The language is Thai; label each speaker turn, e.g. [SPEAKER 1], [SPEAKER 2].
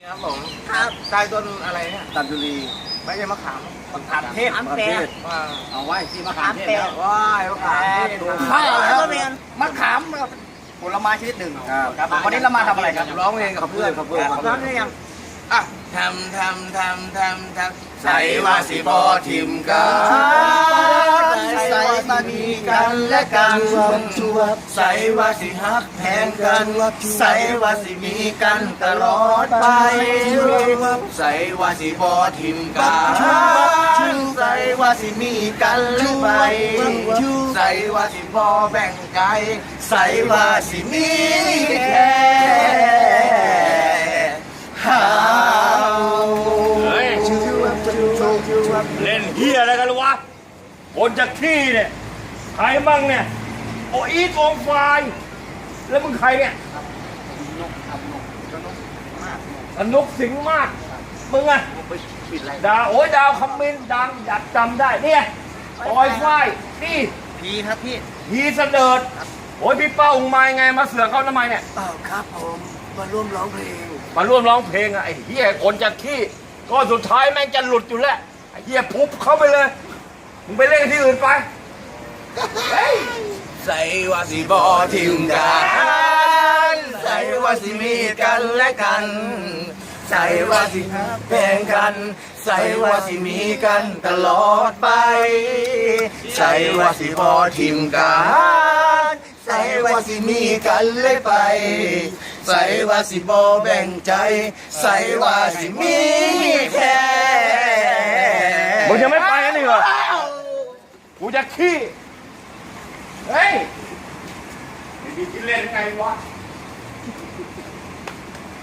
[SPEAKER 1] ครับผมครับใต้ต้นอะไรเนี่ยตันจุลีไม่ใช่มะขามมะขามเทศว่าเอาไว้ที่มะขามเทศแล้วว้ายมะขามเทศข้าวแล้วมะขามผลไม้ชนิดหนึ่งครับวันนี้เรามาทำอะไรครับร้องเพลงกับเพื่อนร้องเพลงยังอ่ะทำใส่ว่าสิบอทิมกันใส่มามีกันและกันใส่ว่าสิฮักแพงกันใส่ว่าสิมีกันตลอดไปใส่ว่าสิบอทิมกันใส่ว่าสิมีกันและไปใส่ว่าสิบอแบ่งใจใส่ว่าสิมีแค่
[SPEAKER 2] เล่นเฮียอะไรกันวะคนจะขี้เนี่ยใครมั่งเนี่ยโออีทองไฟแล้วมึงใครเนี่ยนกสิงห์มากมึงอะดาวโอ้ยดาวคำมินดังอยากจำได้เนี่ยปอยไฟนี่
[SPEAKER 1] พีครับพี่
[SPEAKER 2] พีเสดิร์ดโอ้ยพี่เป้าองค์มาไงมาเสือกเขาทำไมเนี่ย
[SPEAKER 1] ครับผมมาร่วมร้องเพลง
[SPEAKER 2] อะไอ้เฮียคนจะขี้ก็สุดท้ายแม่งจะหลุดอยู่แล้วไอ้เหี้ยปุ๊บเข้าไปเลยมึงไปเล่นที่อื่นไป
[SPEAKER 1] ใส่ว่าสิบอทิมกันใส่ว่าสิมีกันและกันใส่ว่าสิแบ่งกันใส่ว่าสิมีกันตลอดไปใส่ว่าสิบอทิมกันใส่ว่าสิมีกันเลยไปใส่ว่าสิบอแบ่งใจใส่ว่าสิมีแค่
[SPEAKER 2] มึงยังไม่ไปกันอีกเหรอกูจะขี้เฮ้ยมีที่เล่นไงวะ